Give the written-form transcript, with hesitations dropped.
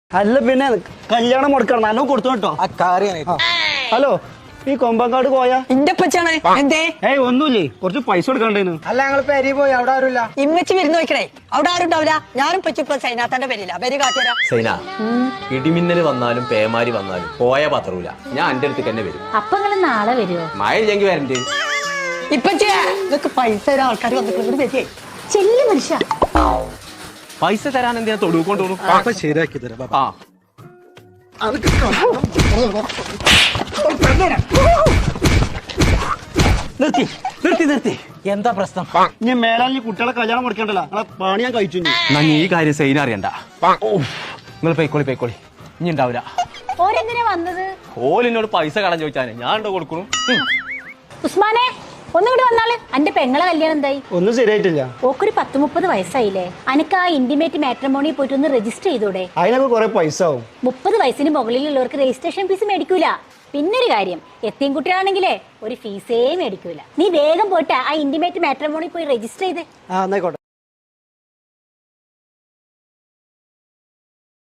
അല്ല പിന്നെ കല്യാണം മുടക്കണം നല്ലോ കൊടുത്തു കേട്ടോ. ഹലോ ഈ കൊമ്പങ്കാട് പോയാ എന്റെ പച്ചാണ് എന്തേ ഒന്നുമില്ലേ കുറച്ച് പൈസ കൊടുക്കണ്ടേന്ന്. അല്ല ഞങ്ങൾ പെരി പോയി അവിടെ ആരുമില്ല. ഇമ്മച്ച് വിരുന്ന് നോക്കണേ അവിടെ ആരും ഉണ്ടാവില്ല. ഞാനും പച്ചിപ്പോ സൈനാത്തന്റെ പേരില്ല പേര് കാട്ടിയരാ. സൈന ഇടിമിന്നല് വന്നാലും പേമാരി വന്നാലും പോയ പത്രൂല ഞാൻ എന്റെ അടുത്തേക്ക് തന്നെ വരും. അപ്പൊ നിങ്ങള് നാളെ വരുമോ? മഴ ഇല്ലെങ്കിൽ വരണ്ട്. ഇപ്പച്ചേ നിനക്ക് പൈസ തരാൻ ആൾക്കാർ വന്നിട്ട് വരികയെ ചെല്ലു മനുഷ്യ. പൈസ തരാൻ എന്തിനാ തൊടുക്കൊണ്ടു ശരിയാക്കി തരാം. ആ നിർത്തി നിർത്തി നിർത്തി. എന്താ പ്രശ്നം? ഇനി മേലാൽ കുട്ടികളെ കല്യാണം മുടക്കണ്ടല്ലോ. നിങ്ങളെ പണി ഞാൻ കഴിച്ചു. എന്നാ ഈ കാര്യം സൈന അറിയണ്ട. നിങ്ങൾ പൈക്കോളി ഇനി ഉണ്ടാവില്ല. ഓരെന്തിനാ വന്നത്? ഓലിനോട് പൈസ കടം ചോദിച്ചാനെ ഞാൻ ഉണ്ടോ കൊടുക്കണു. ഉസ്മാനെ ഒന്നുകൂടി വന്നാല് അന്റെ പെങ്ങളെ കല്യാണം എന്തായി? ഒന്നും ശരിയായിട്ടില്ല. ഓക്കൊരു 10-30 വയസ്സായില്ലേ? അനക്ക് ആ ഇന്റിമേറ്റ് മാട്രിമോണി പോയിട്ട് ഒന്ന് രജിസ്റ്റർ ചെയ്തൂടെ? അതിനൊക്കെ കുറെ പൈസ ആവും. 30 വയസ്സിന് മുകളിലുള്ളവർക്ക് രജിസ്ട്രേഷൻ ഫീസ് മേടിക്കൂല. പിന്നൊരു കാര്യം, എത്തിയും കുട്ടികളാണെങ്കിലേ ഒരു ഫീസേ മേടിക്കൂല. നീ വേഗം പോയിട്ട് ആ ഇന്റിമേറ്റ് മാട്രിമോണി പോയി രജിസ്റ്റർ ചെയ്തേ. എന്നായിക്കോട്ടെ.